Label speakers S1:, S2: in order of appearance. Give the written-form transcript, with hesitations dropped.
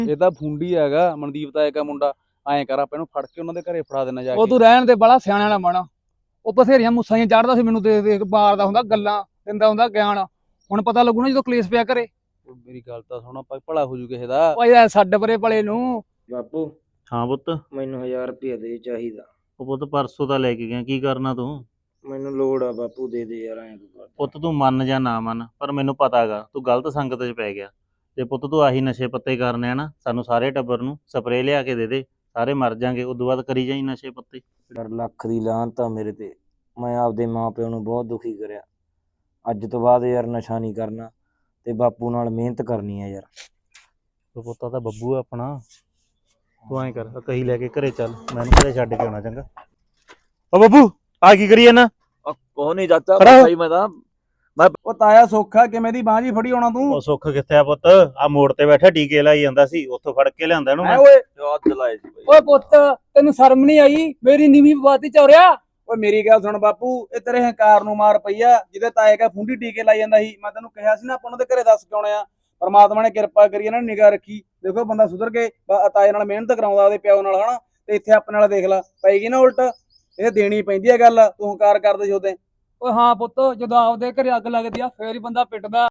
S1: ਇਹ ਤਾਂ ਫੁੰਡੀ ਹੈਗਾ ਮਨਦੀਪ ਦਾ ਇੱਕ ਮੁੰਡਾ। ਐਂ ਕਰ ਆਪਾਂ ਇਹਨੂੰ ਫੜ ਕੇ ਉਹਨਾਂ ਦੇ ਘਰੇ ਫੜਾ ਦੇਣਾ ਜਾ
S2: ਉਹ
S1: ਕੇ।
S2: ਤੂੰ ਰਹਿਣ ਦੇ, ਬੜਾ ਸਿਆਣਾ ਨਾ ਬਣ। ਉਹ ਬਥੇਰੀਆਂ ਮੁੱਸਾਂ ਜਿਹੀਆਂ ਚੜਦਾ ਸੀ ਮੈਨੂੰ, ਦੇਖ ਦੇਖ ਮਾਰਦਾ ਹੁੰਦਾ ਗੱਲਾਂ, ਦਿੰਦਾ ਹੁੰਦਾ ਗਿਆਨ। ਹੁਣ ਪਤਾ ਲੱਗੂ ਨਾ ਜਦੋਂ ਕਲੇਸ਼ ਪਿਆ ਘਰੇ।
S1: ਮੇਰੀ ਗੱਲ ਤਾਂ ਸੁਣ, ਆਪਾਂ ਭਲਾ ਹੋ ਜੂ ਕਿਸੇ ਦਾ।
S2: ਓਏ ਯਾਰ ਛੱਡ ਪਰੇ ਭਲੇ ਨੂੰ।
S3: ਬਾਪੂ
S4: ਹਾਂ ਪੁੱਤ।
S3: ਮੈਨੂੰ 1000 ਰੁਪਇਆ ਦੇ ਚਾਹੀਦਾ।
S4: ਉਹ ਪੁੱਤ ਪਰਸੋਂ ਤਾਂ ਲੈ ਕੇ ਗਿਆ, ਕੀ ਕਰਨਾ ਤੂੰ?
S3: ਮੈਨੂੰ ਲੋੜ ਆ ਬਾਪੂ, ਦੇ ਦੇ ਯਾਰ ਐਂ ਕਰ।
S4: ਪੁੱਤ ਤੂੰ ਮੰਨ ਜਾਂ ਨਾ ਮੰਨ, ਪਰ ਮੈਨੂੰ ਪਤਾ ਹੈਗਾ ਤੂੰ ਗਲਤ ਸੰਗਤ 'ਚ ਪੈ ਗਿਆ। ਤੇ ਪੁੱਤ ਤੂੰ ਆਹੀ ਨਸ਼ੇ ਪੱਤੇ ਕਰਨੇ ਆ ਨਾ, ਸਾਨੂੰ ਸਾਰੇ ਟੱਬਰ ਨੂੰ ਸਪਰੇਅ ਲਿਆ ਕੇ ਦੇ ਦੇ, ਸਾਰੇ ਮਰ ਜਾਾਂਗੇ। ਉਦੋਂ ਬਾਅਦ ਕਰੀ ਜਾਈ ਨਸ਼ੇ ਪੱਤੇ।
S3: ਯਾਰ ਲੱਖ ਦੀ ਲਾਹਨਤ ਆ ਮੇਰੇ ਤੇ। ਮੈਂ ਆਪਦੇ ਮਾਪਿਆਂ ਨੂੰ ਬਹੁਤ ਦੁਖੀ ਕਰਿਆ। ਅੱਜ ਤੋਂ ਬਾਅਦ ਯਾਰ ਨਸ਼ਾ ਨਹੀਂ ਕਰਨਾ ਤੇ ਬਾਪੂ ਨਾਲ ਮਿਹਨਤ ਕਰਨੀ ਆ ਯਾਰ।
S4: ਉਹ ਪੁੱਤਾ ਤਾਂ ਬੱਬੂ ਆ ਆਪਣਾ। ਤੂੰ ਐਂ ਕਰ, ਕਹੀ ਲੈ ਕੇ ਘਰੇ ਚੱਲ, ਮੈਨੂੰ ਘਰੇ ਛੱਡ ਕੇ ਆਉਣਾ ਚੰਗਾ। ਓ ਬੱਬੂ ਆ ਕੀ ਕਰੀ ਜਾਂਦਾ?
S1: ਕੋਹ ਨਹੀਂ ਚਾਚਾ,
S4: ਖੜਾ।
S1: ਭਾਈ ਮੈਂ ਤਾਂ ਉਹ ਤਾਇਆ ਸੌਖਾ ਕਿਵੇਂ ਦੀ ਬਾਂਹ ਜੀ ਫੜੀ ਆਉਣਾ ਤੂੰ।
S4: ਉਹ ਸੁੱਖ ਕਿੱਥੇ ਆ ਪੁੱਤ? ਆ ਮੋੜ ਤੇ ਬੈਠਾ ਟੀਕੇ ਲਾਈ ਜਾਂਦਾ ਸੀ, ਉੱਥੋਂ ਫੜ ਕੇ ਲਿਆਂਦਾ ਇਹਨੂੰ
S1: ਐ
S4: ਮੈਂ।
S1: ਓਏ ਹੱਥ ਲਾਏ ਸੀ ਬਾਈ।
S2: ਓਏ ਪੁੱਤ, ਤੈਨੂੰ ਸ਼ਰਮ ਨਹੀਂ ਆਈ? ਮੇਰੀ ਨੀਵੀਂ ਬਾਤੀ ਚੌਰਿਆ।
S1: ਓਏ ਮੇਰੀ ਗੱਲ ਸੁਣ ਬਾਪੂ, ਇਹ ਤੇਰੇ ਹੰਕਾਰ ਨੂੰ ਮਾਰ ਪਈ ਆ। ਜਿਹਦੇ ਤਾਏ ਕਾ ਫੁੰਡੀ ਟੀਕੇ ਲਾਈ ਜਾਂਦਾ ਸੀ, ਮੈਂ ਤੈਨੂੰ ਕਿਹਾ ਸੀ ਨਾ ਆਪਾਂ ਉਹਨਾਂ ਦੇ ਘਰੇ ਦੱਸ ਕੇ ਆਉਣੇ ਆ। ਪਰਮਾਤਮਾ ਨੇ ਕਿਰਪਾ ਕਰੀ, ਇਹਨਾਂ ਨੇ ਨਿਗਾਹ ਰੱਖੀ। ਦੇਖੋ ਬੰਦਾ ਸੁਧਰ ਕੇ ਤਾਏ ਨਾਲ ਮਿਹਨਤ ਕਰਾਉਂਦਾ ਉਹਦੇ ਪਿਓ ਨਾਲ, ਹਨਾ। ਤੇ ਇੱਥੇ ਆਪਣੇ ਨਾਲ ਦੇਖ ਲਾ ਪਏਗੀ ਨਾ ਉਲਟ। ਇਹ ਦੇਣੀ ਪੈਂਦੀ ਆ ਗੱਲ, ਤੂੰ ਹੰਕਾਰ ਕਰਦੇ ਸੀ ਉਹਦੇ।
S2: ਓਏ ਹਾਂ ਪੁੱਤ, ਜਦੋਂ ਆਪਦੇ ਘਰੇ ਅੱਗ ਲੱਗਦੀ ਆ ਫੇਰ ਹੀ ਬੰਦਾ ਪਿੱਟਦਾ।